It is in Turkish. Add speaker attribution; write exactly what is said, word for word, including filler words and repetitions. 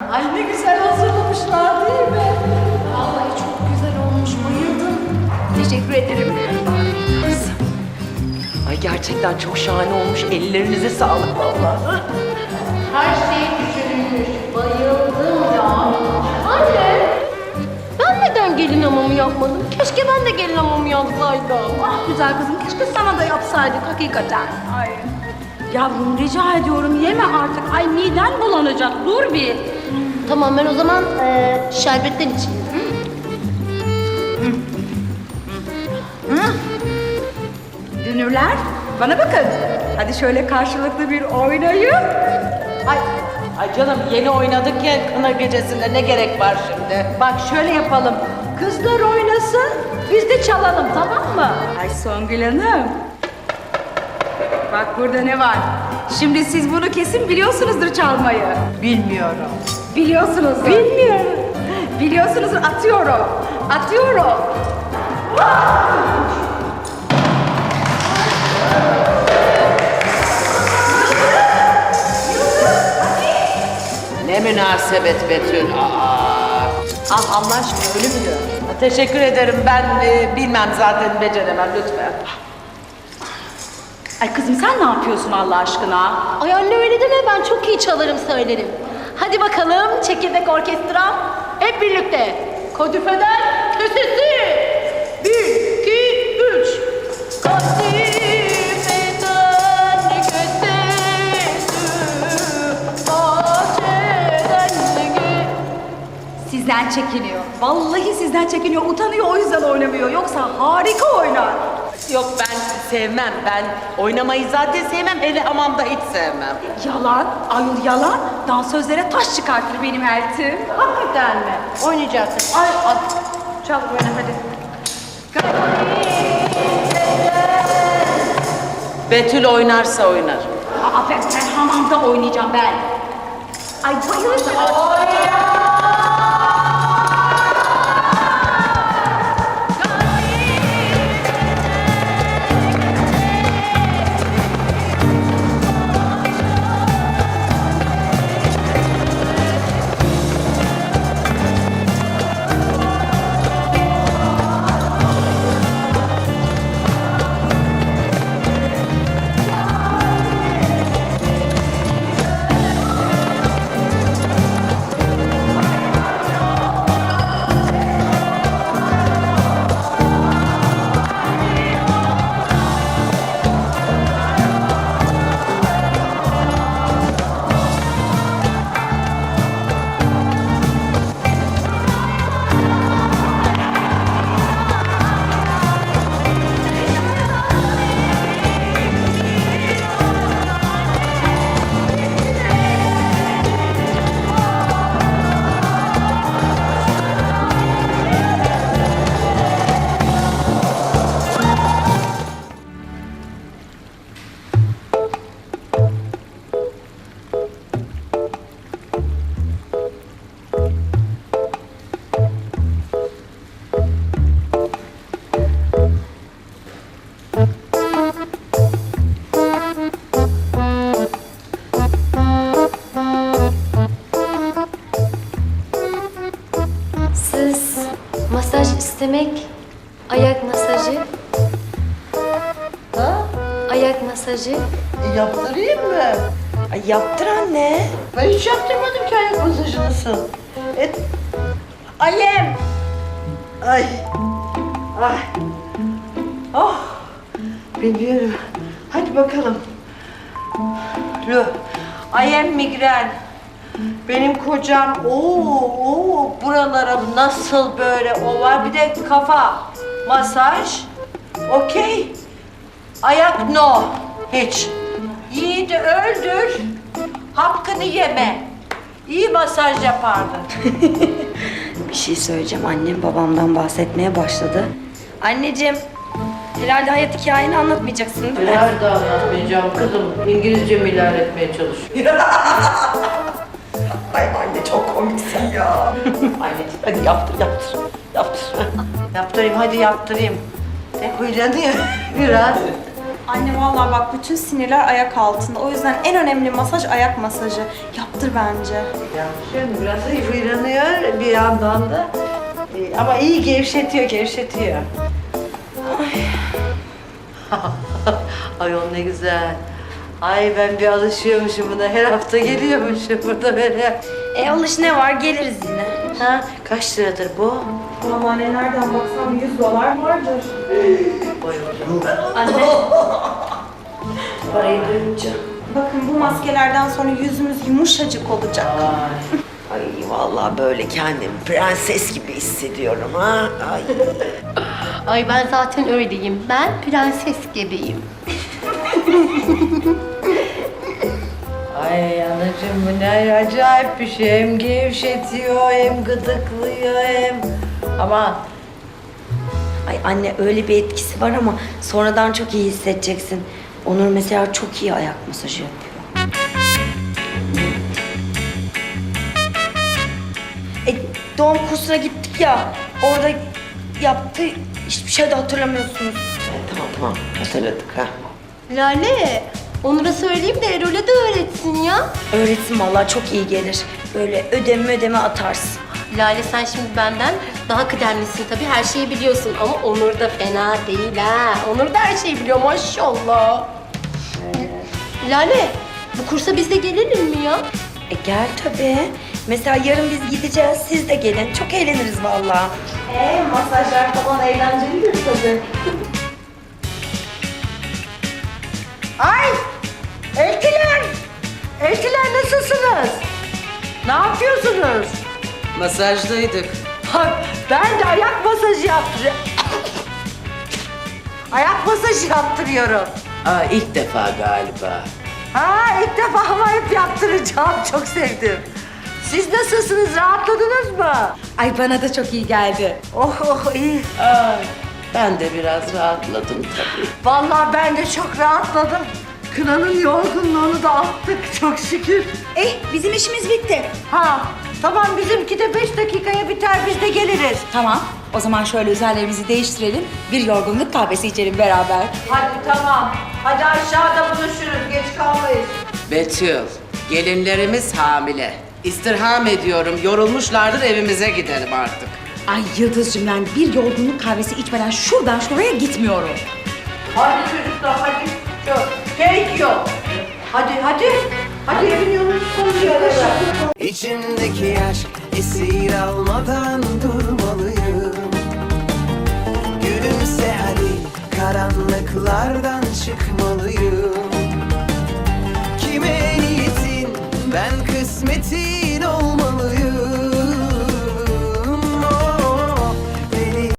Speaker 1: Ay ne güzel hazırlamışlar değil mi? Vallahi çok güzel olmuş, bayıldım. Teşekkür ederim.
Speaker 2: Ay gerçekten çok şahane olmuş. Ellerinize sağlık vallahi.
Speaker 1: Her şey düşünülmüş, bayıldım ya. Anne, ben neden gelin hamamı yapmadım? Keşke ben de gelin hamamı yapsaydım.
Speaker 3: Ah güzel kızım, keşke sana da yapsaydık hakikaten. Ay. Yavrum rica ediyorum yeme artık. Ay miden bulanacak, dur bir.
Speaker 1: Tamam, ben o zaman e, şerbetten içeyim.
Speaker 3: Dünürler, bana bakın. Hadi şöyle karşılıklı bir oynayın.
Speaker 2: Ay, ay canım yeni oynadık ya kına gecesinde ne gerek var şimdi?
Speaker 3: Bak şöyle yapalım. Kızlar oynasın, biz de çalalım, tamam mı? Ay Songül Hanım. Bak burada ne var? Şimdi siz bunu kesin biliyorsunuzdur çalmayı.
Speaker 2: Bilmiyorum.
Speaker 3: Biliyorsunuzdur. Bilmiyorum. Biliyorsunuzdur. Atıyorum. Atıyorum.
Speaker 2: Ne münasebet Betül. Aa.
Speaker 3: Al Allah aşkına öyle mi diyor?
Speaker 2: Teşekkür ederim. Ben e, bilmem zaten beceremem lütfen.
Speaker 3: Ay kızım sen ne yapıyorsun Allah aşkına?
Speaker 1: Ay anne öyle deme, ben çok iyi çalarım söylerim. Hadi bakalım çekirdek orkestra. Hep birlikte. Kadifeden kösesi. Bir, iki, üç. Kadifeden kösesi. Bahçeden gö-
Speaker 3: Sizden çekiniyor. Vallahi sizden çekiniyor. Utanıyor o yüzden oynamıyor. Yoksa harika oynar.
Speaker 2: Yok ben sevmem. Ben oynamayı zaten sevmem. Hele hamamda hiç sevmem.
Speaker 3: Yalan, ayol yalan. Dansözlere taş çıkartır benim eltim.
Speaker 1: Hakikaten mi? Oynayacaksın.
Speaker 3: Ay, ay. Çal böyle hadi.
Speaker 2: Betül oynarsa oynar.
Speaker 3: Aa, ben, ben hamamda oynayacağım ben. Ay bayılırım.
Speaker 4: Siz masaj istemek, ayak masajı.
Speaker 2: Ha?
Speaker 4: Ayak masajı.
Speaker 2: Yaptırayım mı? Ay yaptır anne. Ben hiç yaptırmadım ki ayak masajınızı. Et. Ayem. Ay. Ay. Oh. Biliyorum. Hadi bakalım. Lo. Ayem migren. Benim kocam ooo ooo buralara nasıl böyle o var bir de kafa masaj okey ayak no hiç yiğidi öldür hakkını yeme iyi masaj yapardın.
Speaker 5: Bir şey söyleyeceğim. Annem babamdan bahsetmeye başladı. Anneciğim, herhalde hayat hikayeni anlatmayacaksın değil mi?
Speaker 6: Nerede anlatmayacağım kızım? İngilizcemi ilerletmeye çalışıyorum.
Speaker 2: Ay anne çok komiksin ya. Anneciğim hadi yaptır yaptır yaptır.
Speaker 6: Yaptırayım, hadi yaptırayım. Ne huylanıyor biraz.
Speaker 7: Anne vallahi bak bütün sinirler ayak altında. O yüzden en önemli masaj ayak masajı. Yaptır bence.
Speaker 6: Şimdi biraz hıfırlanıyor bir yandan da. Ee, Ama iyi gevşetiyor, gevşetiyor. Ay. Ayol ne güzel. Ay ben bir alışıyormuşum buna. Her hafta geliyormuşum burada böyle.
Speaker 5: E alış ne var geliriz yine.
Speaker 6: Ha, kaç liradır bu?
Speaker 7: Vallahi anne nereden baksam yüz dolar vardır.
Speaker 5: Anne. Parayı duyunca.
Speaker 7: Bakın bu maskelerden sonra yüzümüz yumuşacık olacak.
Speaker 2: Ay vallahi böyle kendimi prenses gibi hissediyorum ha. Ay.
Speaker 1: Ay ben zaten öyleyim. Ben prenses gibiyim.
Speaker 6: Ay anacığım bu ne acayip bir şey. Hem gevşetiyor hem gıdıklıyor hem... Ama
Speaker 5: Ay anne öyle bir etkisi var ama sonradan çok iyi hissedeceksin. Onur mesela çok iyi ayak masajı yapıyor. E, doğum kursuna gittik ya, orada yaptı, hiçbir şey de hatırlamıyorsunuz.
Speaker 2: Tamam tamam hatırladık ha.
Speaker 1: Lale, Onur'a söyleyeyim de Erol'e de öğretsin ya.
Speaker 5: Öğretsin vallahi çok iyi gelir. Böyle ödeme ödeme atarsın.
Speaker 1: Lale sen şimdi benden daha kıdemlisin tabii. Her şeyi biliyorsun ama Onur da fena değil ha. Onur da her şeyi biliyor maşallah. Lale, bu kursa biz de gelelim mi ya?
Speaker 5: E gel tabii. Mesela yarın biz gideceğiz, siz de gelin. Çok eğleniriz vallahi.
Speaker 7: Ee, masajlar falan eğlencelidir tabii.
Speaker 6: Ay! Eltiler! Eltiler nasılsınız? Ne yapıyorsunuz?
Speaker 8: Masajdaydık.
Speaker 6: Ha, ben de ayak masajı yaptırıyorum. Ayak masajı yaptırıyorum.
Speaker 8: Aa, ilk defa galiba.
Speaker 6: Ha ilk defa ama hep yaptıracağım. Çok sevdim. Siz nasılsınız? Rahatladınız mı?
Speaker 3: Ay bana da çok iyi geldi.
Speaker 6: Oh oh iyi.
Speaker 8: Aa, ben de biraz rahatladım tabii.
Speaker 6: Vallahi ben de çok rahatladım. Kınanın yorgunluğunu da attık çok şükür.
Speaker 3: Eh bizim işimiz bitti.
Speaker 6: Ha tamam bizimki de beş dakikaya biter biz de geliriz.
Speaker 3: Tamam. O zaman şöyle üzerlerimizi değiştirelim. Bir yorgunluk kahvesi içelim beraber.
Speaker 6: Hadi tamam. Hadi aşağıda buluşuruz. Geç kalmayız.
Speaker 8: Betül, gelinlerimiz hamile. İstirham ediyorum, yorulmuşlardır evimize gidelim artık.
Speaker 3: Ay Yıldız'cığım ben bir yorgunluk kahvesi içmeden şuradan şuraya gitmiyorum.
Speaker 6: Hadi çocuklar hadi. Çok. Keyif yok. Hadi hadi. Hadi evin yolunu koyuyoruz.
Speaker 9: İçimdeki aşk esir almadan durmalıyım. Gülümse hadi karanlıklardan çıkmalıyım. Kime niyetin ben